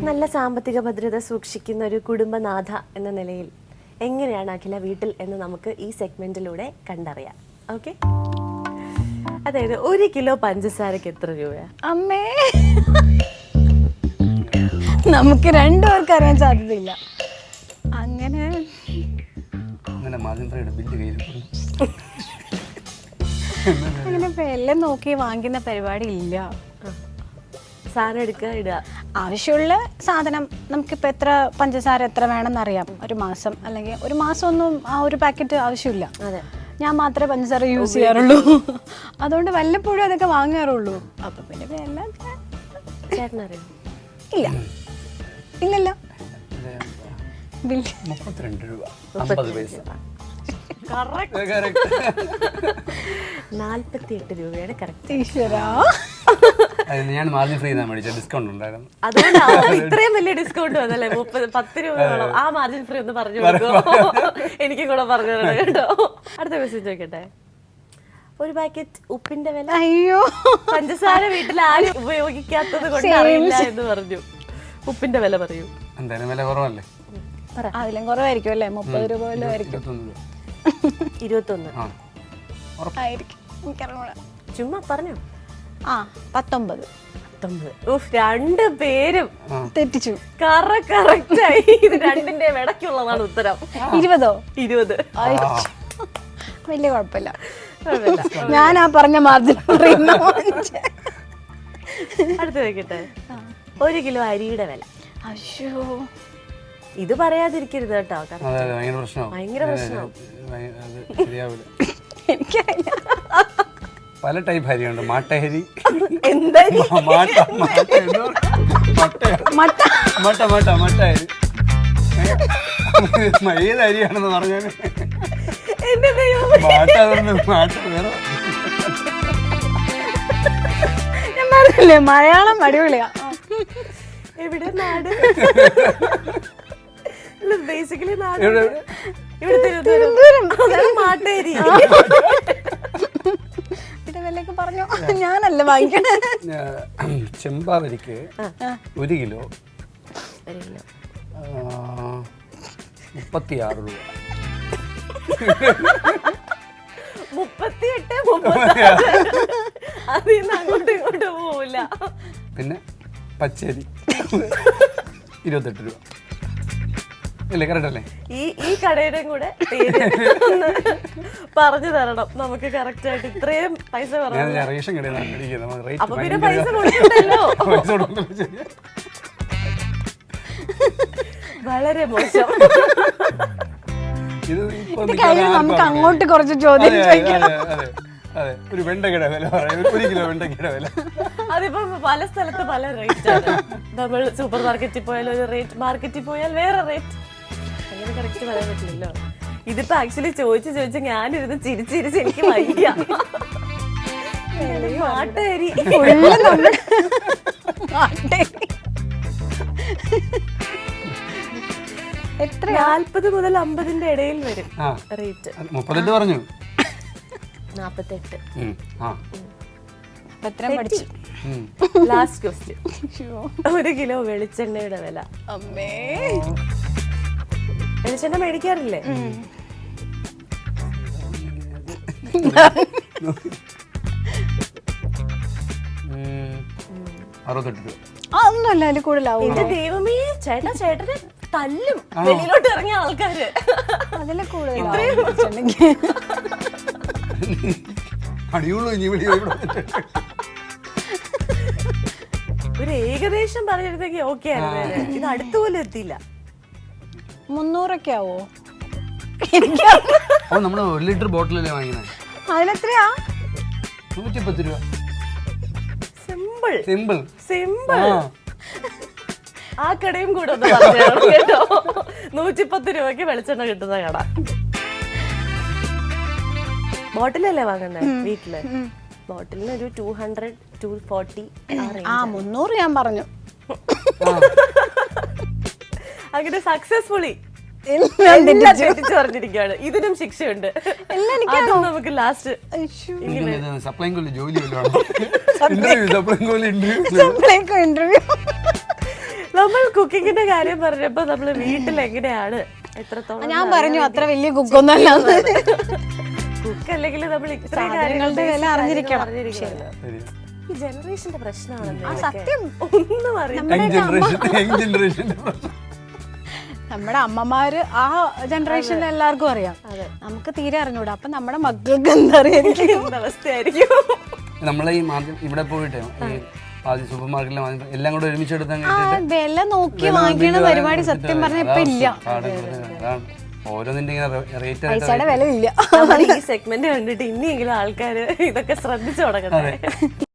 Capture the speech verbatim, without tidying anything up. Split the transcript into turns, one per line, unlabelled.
നല്ല സാമ്പത്തിക ഭദ്രത സൂക്ഷിക്കുന്ന ഒരു കുടുംബനാഥ എന്ന നിലയിൽ എങ്ങനെയാണ് അഖില വീട്ടിൽ എന്ന് നമുക്ക് ഈ സെഗ്മെന്റിലൂടെ കണ്ടറിയാം. ഓക്കെ, അതായത് ഒരു കിലോ പഞ്ചസാരക്ക് എത്ര രൂപയാ?
അമ്മേ, നമുക്ക് രണ്ടുപേർക്ക് അറിയാൻ സാധ്യതയില്ല. അങ്ങനെ അങ്ങനെ എല്ലാം നോക്കി വാങ്ങിക്കുന്ന പരിപാടി ഇല്ല.
സാധനം എടുക്കുക, ഇടുക.
ആവശ്യമുള്ള സാധനം നമുക്കിപ്പോൾ എത്ര പഞ്ചസാര എത്ര വേണമെന്ന് അറിയാം. ഒരു മാസം അല്ലെങ്കിൽ ഒരു മാസം ഒന്നും ആ ഒരു പാക്കറ്റ് ആവശ്യമില്ല.
അതെ,
ഞാൻ മാത്രമേ പഞ്ചസാര യൂസ് ചെയ്യാറുള്ളൂ. അതുകൊണ്ട് വല്ലപ്പോഴും അതൊക്കെ വാങ്ങാറുള്ളൂ. അപ്പം പിന്നെ എല്ലാം
ചേട്ടനറിയാം?
ഇല്ല, ഇല്ലല്ലോ.
മുപ്പത്തിരണ്ട് രൂപ അമ്പത് പൈസ.
നാല്പത്തി എട്ട് രൂപയുടെ കറക്റ്റ്.
ഈശ്വരാ,
ഞാൻ മാർജിൻ ഫ്രീ മേടിച്ച ഡിസ്കൗണ്ട് ഉണ്ടായിരുന്നു.
അതുകൊണ്ടാണ് ഇത്രയും വലിയ ഡിസ്കൗണ്ട് വന്നല്ലേ. മുപ്പത് പത്ത് രൂപ വേണം. ആ മാർജിൻ ഫ്രീ ഒന്ന് പറഞ്ഞു കൊടുക്കുമോ? എനിക്കും കൂടെ പറഞ്ഞു തരണം കേട്ടോ. അടുത്ത ക്വസ്റ്റ്യൻ ചോദിക്കട്ടെ. ഒരു പാക്കറ്റ് ഉപ്പിന്റെ വില.
അയ്യോ,
പഞ്ചസാര വീട്ടിൽ ആരും ഉപയോഗിക്കാത്തത് കൊണ്ട് അറിയില്ല എന്ന് പറഞ്ഞു. ഉപ്പിന്റെ വില പറയൂ.
എന്തായാലും വില കുറവല്ലേ?
അതിലും കുറവായിരിക്കും അല്ലേ? മുപ്പത് രൂപ വല്ലതും ആയിരിക്കും.
ഇരുപത്തൊന്ന്
ആയിരിക്കും, എനിക്കറിഞ്ഞൂടാ.
ചുമ്മാ പറഞ്ഞോ.
ആ, പത്തൊമ്പത്.
പത്തൊമ്പത്. ഉഫ്, രണ്ട് പേരും
തെറ്റിച്ചു.
കറക്റ്റായി. ഇത് രണ്ടിന്റെ ഇടയ്ക്കുള്ളതാണ് ഉത്തരം.
ഇരുപതോ?
ഇരുപത്.
വലിയ കുഴപ്പമില്ല. ഞാൻ ആ പറഞ്ഞ മാർജിൻ.
അടുത്ത് വെക്കട്ടെ. ഒരു കിലോ അരിയുടെ വില.
അയ്യോ,
ഇത് പറയാതിരിക്കരുത് കേട്ടോ.
ഭയങ്കര പ്രശ്നമാവും.
എനിക്കറിയില്ല.
പല ടൈപ്പ് അരിയുണ്ട്. മാട്ടഹരി,
എന്താ
മട്ട മട്ട മട്ട അരി. ഏത് അരിയാണെന്ന് പറഞ്ഞാല് മാട്ട മാട്ട വേറെ.
ഞാൻ പറഞ്ഞില്ലേ, മലയാളം അടിപൊളിയാ.
എവിടെ നാട്? ബേസിക്കലി നാട് ഇവിടെ തിരുവനന്തപുരം. മാട്ടേരി.
വിലയൊക്കെ പറഞ്ഞോ, ഞാനല്ല വാങ്ങിക്കണേ.
ചെമ്പാവരിക്ക് ഒരു കിലോ മുപ്പത്തിയാറ് രൂപ.
മുപ്പത്തിയെട്ട് മുപ്പത്തി അതിന്ന് അങ്ങോട്ടും ഇങ്ങോട്ടും പോവില്ല.
പിന്നെ പച്ചരി ഇരുപത്തെട്ട് രൂപ. ഇല്ലേ, കറക്റ്റ് അല്ലേ?
ഈ ഈ കടയുടെയും കൂടെ പറഞ്ഞു തരണം നമുക്ക് കറക്റ്റ് ആയിട്ട്. ഇത്രയും പൈസ പറഞ്ഞു.
റേഷൻ കടയിൽ
അപ്പൊ പിന്നെ പൈസ കൊടുക്കണ്ടല്ലോ. വളരെ മോശം.
നമുക്ക് അങ്ങോട്ട് കുറച്ച് ചോദ്യം ചോദിക്കാം.
അതെ, ഒരു വെണ്ടക്കയുടെ വില പറയാം. ഒരു കിലോ വെണ്ടക്കയുടെ വില.
അതിപ്പോ പല സ്ഥലത്ത് പല റേറ്റ് ആണ്. നമ്മൾ സൂപ്പർ മാർക്കറ്റിൽ പോയാൽ ഒരു റേറ്റ്, മാർക്കറ്റിൽ പോയാൽ വേറെ റേറ്റ്. അങ്ങനെ കറക്റ്റ് പറയാൻ പറ്റില്ലല്ലോ. ഇതിപ്പോ ആക്ച്വലി ചോദിച്ച് ചോദിച്ച് ഞാനിരുന്ന് ചിരിച്ചിരിച്ച് എനിക്ക് വയ്യ. മാട്ടേരി
എത്ര? നാല്പത്
മുതൽ അമ്പതിന്റെ ഇടയിൽ വരും റേറ്റ്.
മുപ്പത്തെട്ട് പറഞ്ഞു.
നാപ്പത്തെട്ട്. Last question. ഒരു കിലോ വെളിച്ചെണ്ണയുടെ വില.
അമ്മേ,
വെളിച്ചെണ്ണ മേടിക്കാറില്ലേ?
അറുപത്തെട്ട് രൂപ.
അതൊന്നുമല്ല, അതിൽ കൂടുതലാവും.
എന്റെ ദൈവമേ, ചേട്ടാ ചേട്ടന് തല്ലും വെളിയിലോട്ട് ഇറങ്ങിയ ആൾക്കാര്.
അതിലെ കൂടുതലാവും.
ഒരു ഏകദേശം പറഞ്ഞിരുന്നെങ്കിൽ ഓക്കെ ആയിരുന്നു. ഇത് അടുത്തുപോലും എത്തിയില്ല.
മുന്നൂറൊക്കെ ആവോ?
നമ്മള് ഒരു ലിറ്റർ ബോട്ടിലല്ലേ വാങ്ങിയത്.
അതിലെത്രയാ?
നൂറ്റിപ്പത്ത് രൂപ.
Simple
simple
simple. ആ കടയും കൂടെ ഒന്ന് പറഞ്ഞു കേട്ടോ. നൂറ്റിപ്പത്ത് രൂപയ്ക്ക് വെളിച്ചെണ്ണ കിട്ടുന്ന കട. ബോട്ടിലല്ലേ വാങ്ങുന്നത് വീട്ടില്? ബോട്ടിലിന് ഒരു ടു ഹൺഡ്രഡ് ടു ഫോർട്ടി.
ആ, മുന്നൂറ് ഞാൻ പറഞ്ഞു.
അങ്ങനെ സക്സസ്ഫുള്ളി പറഞ്ഞിരിക്കുകയാണ്. ഇതിനും ശിക്ഷയുണ്ട്. അതും നമുക്ക് ലാസ്റ്റ് നമ്മൾ കുക്കിങ്ങിന്റെ കാര്യം പറഞ്ഞപ്പോ നമ്മള് വീട്ടിൽ എങ്ങനെയാണ് എത്രത്തോളം
ഞാൻ പറഞ്ഞു അത്ര വലിയ കുക്കൊന്നും അല്ല
കുക്ക് അല്ലെങ്കിൽ നമ്മൾ ഇത്രയും
സാധനങ്ങളുടെ വില
കാര്യങ്ങൾ
അറിഞ്ഞിരിക്കണം.
അറിഞ്ഞിരിക്കണം. ഈ ജനറേഷന്റെ പ്രശ്നമാണെന്ന്
സത്യം
ഒന്നും അറിയില്ല.
യങ് ജനറേഷൻ യങ് ജനറേഷന്റെ
നമ്മുടെ അമ്മമാര് ആ ജനറേഷനിൽ എല്ലാവർക്കും അറിയാം, നമുക്ക് തീരെ അറിഞ്ഞൂടാ. അപ്പൊ നമ്മുടെ മക്കൾക്ക് എന്താ അറിയായിരിക്കും
എന്ത് അവസ്ഥയായിരിക്കും.
നമ്മളെ ഈ മാർക്കറ്റ് ഇവിടെ പോയിട്ട് ഈ ആദ്യം സൂപ്പർ മാർക്കറ്റിലെ വാങ്ങി എല്ലാം കൂടെ ഒരുമിച്ചെടുത്ത്
ആ വില നോക്കി വാങ്ങിക്കണ പരിപാടി സത്യം പറഞ്ഞ ഇപ്പൊ ഇല്ല.
ഓരോന്നിന്റെ ഇങ്ങനെ റേറ്റ്
പൈസയുടെ വില ഇല്ല.
നമ്മൾ ഈ സെഗ്മെന്റ് കണ്ടിട്ട് ഇനിയെങ്കിലും ആൾക്കാര് ഇതൊക്കെ ശ്രദ്ധിച്ചു തുടങ്ങട്ടെ.